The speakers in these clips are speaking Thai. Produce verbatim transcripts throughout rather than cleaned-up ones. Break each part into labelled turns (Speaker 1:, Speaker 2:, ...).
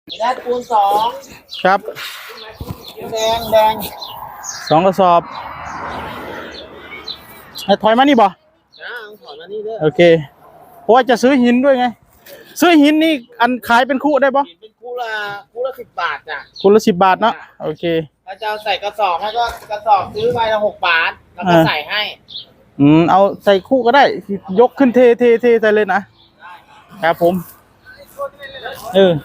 Speaker 1: ได้ปูนสอง
Speaker 2: ครับ
Speaker 1: แดงแดง
Speaker 2: สองกระสอบถอยมานี่บ่
Speaker 1: นะถอนมานี่เด้อ
Speaker 2: โอเคเพราะว่าจะซื้อหินด้วยไงซื้อหินนี่อันขายเป็นคู่ได้ปะ
Speaker 1: เป็นคู่ละคู่ละสิบบาทจ้ะ
Speaker 2: คู่ละสิบบาทเนาะโอเค
Speaker 1: ถ้าจะเอาใส่กระสอบให้ก็กระสอบซื้อไปละหกบาทแล้วก็ใส่ให้
Speaker 2: อืมเอาใส่คู่ก็ได้ยกขึ้นเทเทเทใส่เลยนะครับผมเออ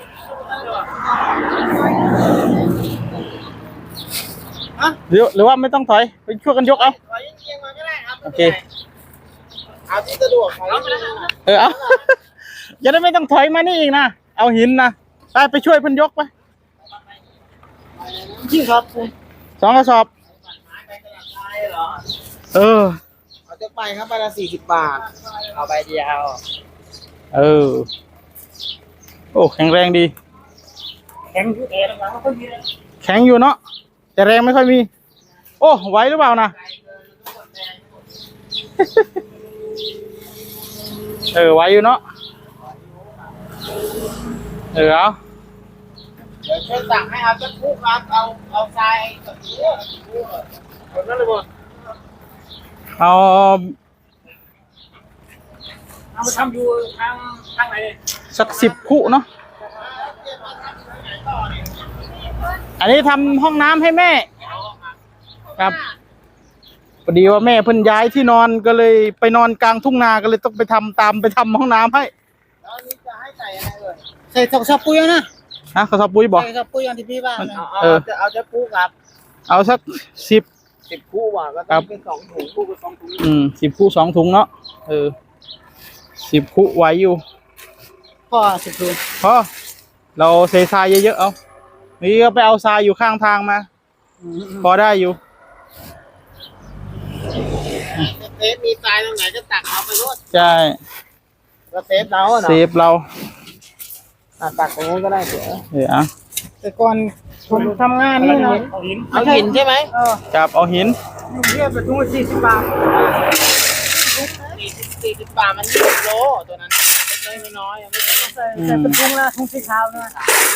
Speaker 2: หรือหรือว่าไม่ต้องถอยไปช่วยกันยกเอา
Speaker 1: ถอยเอียงมาก็ได้ครับ
Speaker 2: โอเค
Speaker 1: เอาที่สะดวกของเรา
Speaker 2: เออเอาจะได้ไม่ต้องถอยมานี่อีกนะเอาหินนะไปไปช่วยเพิ่นยกไป
Speaker 1: จริงครับ
Speaker 2: สองกระสอบเออ
Speaker 1: เอาจะไปครับไปละสี่สิบบาทเอาใบเดียว
Speaker 2: เออโอ้แข็งแรงดี
Speaker 1: แข็งอยู่เองนะไม่มี
Speaker 2: แข็งอยู่เนาะแต่แรงไม่ค่อยมีโอ้ไหวหรือเปล่านะเออไหวอยู่เนาะเออเอา
Speaker 1: เดี๋ยวช่วยสั่งให้เอาจะคู่ครับเอาเอาทรายกับคู่หมดแล้วเลยหมด
Speaker 2: เอา
Speaker 1: เอามาทำอยู่ทางทางไหน
Speaker 2: สักสิบคู่เนาะอันนี้ทำห้องน้ำให้แม่ครับพอดีว่าแม่เพิ่นย้ายที่นอนก็เลยไปนอนกลางทุ่งนาก็เลยต้องไปทำตามไปทำห้องน้ำให้
Speaker 1: แล้วนี่จะให้ใส่อะไรเลยใส่กระสอบปุ๋ยนะ
Speaker 2: ฮะกระสอบปุ๋ยบอก
Speaker 1: ใส่กระสอบปุ๋ยอันที่พี่ว่าเออจะเอาจะคู่ครับ
Speaker 2: เอาสักสิบ
Speaker 1: สิบคู่ว่ะก็ต้องเป็นสองถุงคู่เป็นสองถุง
Speaker 2: อืมสิบคู่สองถุงเนาะเออสิบคู่ไหวอยู่
Speaker 1: พอสิบถุง
Speaker 2: พอเราเททรายเยอะๆเอานี่ก็ไปเอาทรายอยู่ข้างทางมาพอได้อยู่
Speaker 1: เซฟมีทรายตรงไหนจะตักเอาไปรด
Speaker 2: ใช่
Speaker 1: ก็เซฟเราเนาะ
Speaker 2: เซฟเรา
Speaker 1: ตักตรงนู้นก็ได้เสีย
Speaker 2: เอออ่ะ
Speaker 1: แต่ก่อนผมทำงานนี่นะเอาหินเอาหินใช่ไหมเออ
Speaker 2: จับเอาหิน
Speaker 1: อยู่เรียบไปทุ่งสี่สิบบาทสี่สิบบาทมันยี่สิบโลตัวนั้นเล็กน้อยยังไม่ถึงใส่ใส่เป็นทุ่งละทุ่งสีขาวนะ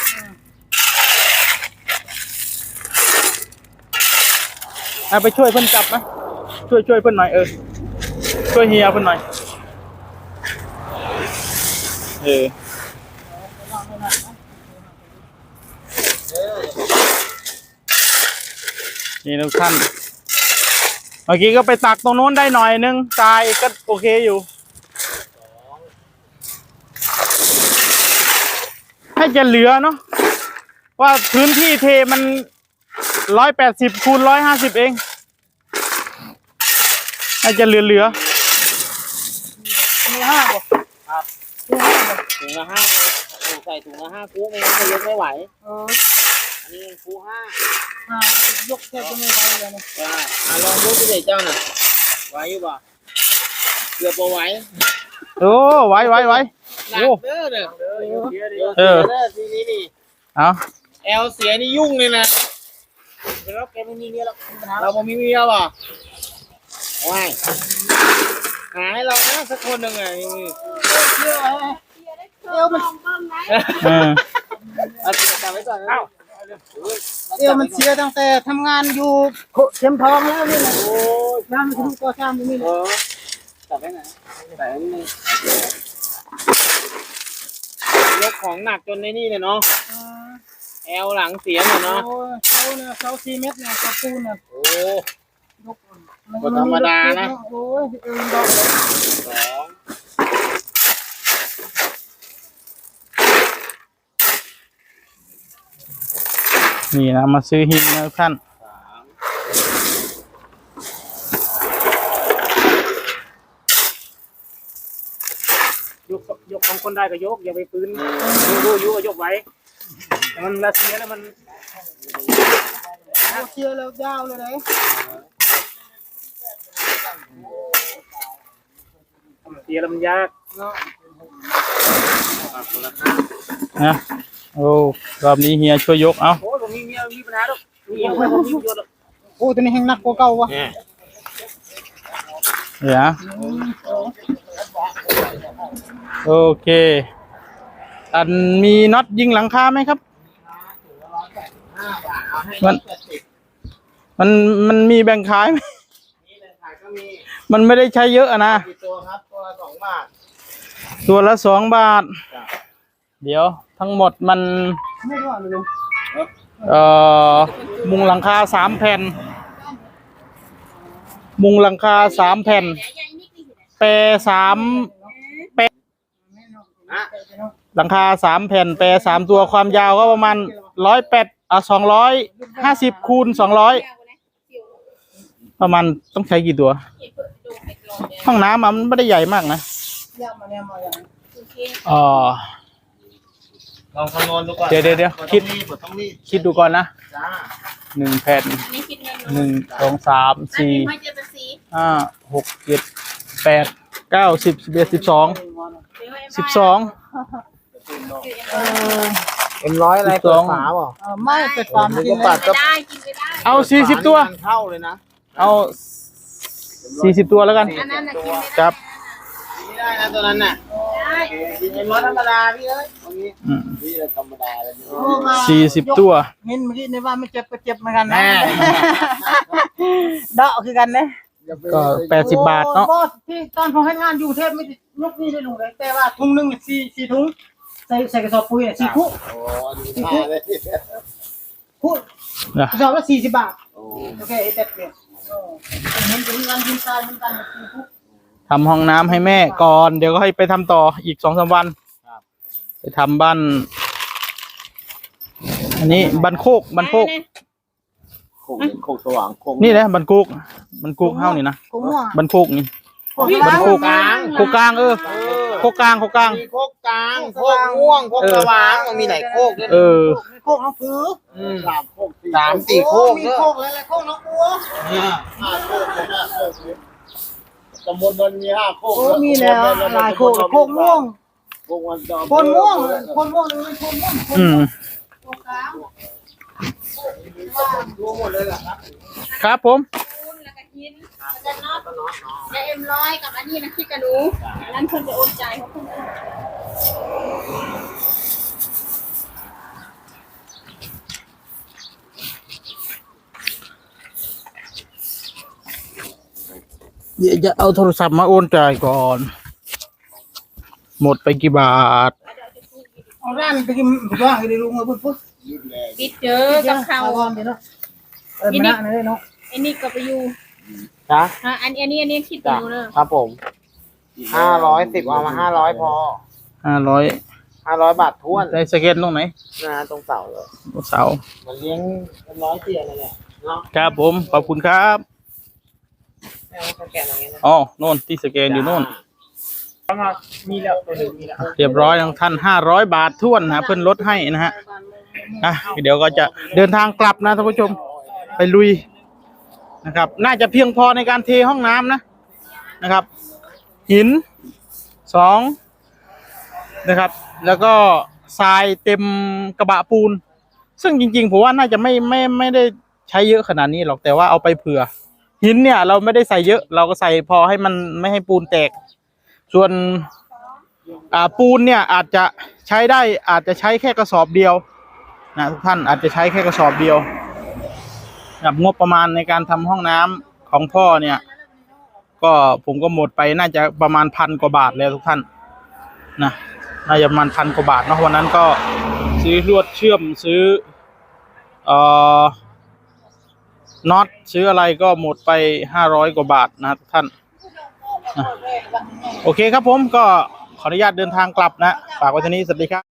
Speaker 2: เอาไปช่วยเพิ่นจับนะช่วยช่วยเพิ่นหน่อยเออช่วยเฮียเพิ่นหน่อยเออนี่ทุกท่านเมื่อกี้ก็ไปตักตรงโน้นได้หน่อยนึงทรายก็โอเคอยู่ให้จะเหลือเนาะว่าพื้นที่เทมันร้อยแปดสิบคูณร้อยห้าสิบเองให้จะเหลือเหลือ
Speaker 1: ถุงละห้าครับถุงละห้าถุงใส่ถุงละห้าคู่ไม่งั้นยกไม่ไหวเอออันนี้คู่ห้าห้ายกแค่จะไม่ไหวเลยนะอ่าลองยกดูเด็กเจ้าน่ะไหวอยู่ป่ะเกือบไหว
Speaker 2: โอ้ไหวไหวไหว
Speaker 1: โอ้เด้อเด้อเออทีนี้นี่
Speaker 2: เอา
Speaker 1: แอลเสียนี่ยุ่งเลยนะแล้วแกไม่มีเมียหรอกเราไม่มีเมียป่ะว้ายหาให้เรานะสักคนหนึ่งไงเยอะเลยเอวมันเออเอาจับไว้ก่อนนะเอวมันเสียตั้งแต่ทำงานอยู่เข็มทองแล้วนี่แหละโอ้ยน้ำมันคือก่อสร้างนี่เลยจับไว้ไหนใส่นี่ยกของหนักจนในนี่เลยเนาะแอลหลังเสียเนาะเสาเนี่ยเสาสี่เมตรเนี่ยเสาปูนเนี่ยโอ้ก็ธรรมดานะโอ้ยเออดอกสอง
Speaker 2: นี่นะมาซื้อหินนะท่าน
Speaker 1: ยกยกของคนได้ก็ยกอย่าไปปืนยูยูก็ยกไว้แต่มันละเสียแล้วมันเสียแล้วยาวเลยนะเสียแล้วมันยากเนาะ
Speaker 2: นะโอ้รอบนี้เฮียช่วยยกเอา
Speaker 1: โอ้ผมมีมีมีปัญหาหรอกมีไม่ผมมียกโอ้ตัวนี้แห้งหนักกว่าเก่าวะ
Speaker 2: เดี๋ยวโอเคอันมีน็อตยิงหลังคาไหมครับ
Speaker 1: ห้าบาทเอาให้
Speaker 2: มัน
Speaker 1: แปดสิบ
Speaker 2: มันมันมีแบ่งขายไหม
Speaker 1: นี่เลยขายก็มี
Speaker 2: มันไม่ได้ใช้เยอะอะนะ
Speaker 1: กี่ตัวครับตัวละสองบาท
Speaker 2: ตัวละสองบาท
Speaker 1: จ้ะ
Speaker 2: เดี๋ยวทั้งหมดมัน
Speaker 1: ไม่รู้อะไรลุง
Speaker 2: เอ่อมุงหลังคาสามแผ่น มุงหลังคาสามแผ่น แปรสามแปร
Speaker 1: นะ
Speaker 2: หลังคาสามแผ่น แปรสามตัวความยาวก็ประมาณร้อยแปดอ่ะสองร้อยห้าสิบคูณสองร้อยประมาณต้องใช้กี่ตัว ห้องน้ำอะมันไม่ได้ใหญ่มากนะอ๋อ
Speaker 1: ลองคำนวณดูก่อน
Speaker 2: เดี๋ยวเดี๋ยวเดี๋ยวคิด
Speaker 1: ต้องรีบ
Speaker 2: คิดดูก่อนนะ
Speaker 1: จ้า
Speaker 2: หนึ่งแผ่น
Speaker 3: อันนี้คิดเงิน
Speaker 2: หนึ่งสองสามสี่
Speaker 3: ไม่เจอภาษี
Speaker 2: ห้าหกเจ็ดแปดเก้าสิบสิบเอ็ดสิบสองสิบสอง
Speaker 1: เอ็มร้อยอะไร
Speaker 2: สิบสอง
Speaker 1: เปิดฝาเปล่า
Speaker 4: เออไม่เป็ดฟาร์ม
Speaker 1: ผม
Speaker 4: กิ
Speaker 1: ก็
Speaker 4: น
Speaker 1: ปัด
Speaker 3: กินไปได้กินไปได้
Speaker 2: เอาสี่สิบตัว
Speaker 1: ฝานี่มันเข้าเลยนะ
Speaker 2: เอาสี่สิบตัวแล้วกัน
Speaker 3: อันนั้นน่ะกินไม่ได้
Speaker 2: ครับ
Speaker 1: ไม่ได้นะตัวนั้นน่ะ
Speaker 3: ได้
Speaker 1: กินเอ็มร้อยธรรมดาพี่เอ้ยตรงนี้
Speaker 2: อืม
Speaker 1: นี่แหละธรรมดาเลย
Speaker 2: สี่สิบตัว
Speaker 4: เงินเมื่อกี้ในว่าไม่เจ็บก็เจ็บเหมือนกันนะ
Speaker 1: แม่
Speaker 4: เดาะคือกันนะ
Speaker 2: ก็แปดสิบบาทเนาะ
Speaker 4: โอ้ที่ตอนผมให้งานอยู่เทพไม่ได้ยกนี่ได้ลงเลยแต่ว่าถุงหนึงเนี่ยสี่สี่ถุงใส่ใส่กระสอบปุ๋ยเนี่ยสี่คู่
Speaker 1: โอ้ดีมากเลย
Speaker 4: คู่
Speaker 2: นะ
Speaker 4: กระสอบละสี่สิบบาท
Speaker 1: โอ้
Speaker 4: โอเคไอ้เต็ดเนี่ยโอ้เห็นเป็นงานยินซายเหมือนกันสี่คู่
Speaker 2: ทำห้องน้ำให้แม่ก่อน เดี๋ยวก็ให้ไปทำต่ออีกสองสามวันไปทำบ้าน อันนี้บันโคกบันโคก
Speaker 1: โคกโคกสว่างโคก
Speaker 2: นี่นะบันโคกบันโคกเฮ้านี่นะ
Speaker 4: กูม่วง
Speaker 2: บันโคกนี่
Speaker 4: โอ้ย
Speaker 2: บันโคก
Speaker 1: กลาง
Speaker 2: โคกกลางเออ
Speaker 1: เออ
Speaker 2: โคกกลางโคกกลาง
Speaker 1: มีโคกกลางโคกม่วงโคกสว่างมันมีหลายโคกด้วยนะ
Speaker 2: เออ
Speaker 4: โคกน้องผือ
Speaker 1: อืมสามโคกสามสี่โคก
Speaker 4: มี
Speaker 1: ด้วย
Speaker 4: โคกอะไรๆโคกน้องบัว
Speaker 1: เนี่ยห้าโคกเลยห้าโคกเลยตำบลมันมีห้าโคก
Speaker 4: โอ้มีแล้วหลายโคกโคกม่วง
Speaker 1: โคกวันดอม
Speaker 4: คนม่วงคนม่วงเลยคนม่วงคน
Speaker 2: อืม
Speaker 4: โคกกลาง
Speaker 1: รู้หมดเลยเหรอครับ
Speaker 2: ครับผม
Speaker 3: คูณแล้วก็กินแล้วก็น็อตแล้วเอ็มร้อยกับอันนี้นะคิดกันดูอันนั้นคนจะโอนจ่ายเขาคนอื่น
Speaker 2: เดี๋ยวจะเอาโทรศัพท์มาโอนจ่ายก่อน หมดไปกี่บาท
Speaker 4: เอาร้านไปกินบ้างให้ได้ลุงเอาปุ๊บปุ๊บ
Speaker 3: ปิดเจอกับเขา
Speaker 4: ก่อนเดี๋ยวเนาะเออมาหน้าเลยเนาะ
Speaker 3: ไอ้นี่ก็ไปอยู่
Speaker 1: จ้ะ
Speaker 3: อ่ะอันอันนี้อันนี้คิด
Speaker 1: จ้ะ
Speaker 3: ดูเนอะ
Speaker 1: ครับผมห้าร้อยสิบเอามาห้าร้อยพอ
Speaker 2: ห้าร้อย
Speaker 1: ห้าร้อยบาทท้วน
Speaker 2: ได้สเกตตรงไหน
Speaker 1: นะตรงเสาเลย
Speaker 2: เสา
Speaker 1: มันเลี้ยงเป็นร้อยเตียนั่นแหละเนาะ
Speaker 2: ครับผม ขอบคุณครับ
Speaker 1: แม่ว่าแกนอย่างเงี้ยนะ
Speaker 2: อ๋อโน่นที่สแกนอยู่โน่น
Speaker 1: มีแล้วตัวหนึ่งมีแล้ว
Speaker 2: เรียบร้อยทั้งท่านห้าร้อยบาทท้วนนะเพิ่นลดให้นะฮะอ่ะเดี๋ยวก็จะเดินทางกลับนะท่านผู้ชม ไปลุยนะครับ น่าจะเพียงพอในการเทห้องน้ำนะนะครับ หินสองนะครับ แล้วก็ทรายเต็มกระบะปูน ซึ่งจริงๆผมว่าน่าจะไม่ไม่ไม่ได้ใช้เยอะขนาดนี้หรอกแต่ว่าเอาไปเผื่อ หินเนี่ยเราไม่ได้ใส่เยอะ เราก็ใส่พอให้มันไม่ให้ปูนแตก ส่วนอ่าปูนเนี่ยอาจจะใช้ได้อาจจะใช้แค่กระสอบเดียวนะทุกท่านอาจจะใช้แค่กระสอบเดียวกับงบประมาณในการทำห้องน้ำของพ่อเนี่ย ก็ผมก็หมดไปน่าจะประมาณพันกว่าบาทแล้วทุกท่านนะน่าจะประมาณพันกว่าบาทเนาะวันนั้นก็ซื้อลวดเชื่อมซื้อเอ่อน็อตซื้ออะไรก็หมดไปห้าร้อยกว่าบาทนะทุกท่านนะโอเคครับผมก็ขออนุญาตเดินทางกลับนะฝากไว้เท่านี้สวัสดีครับ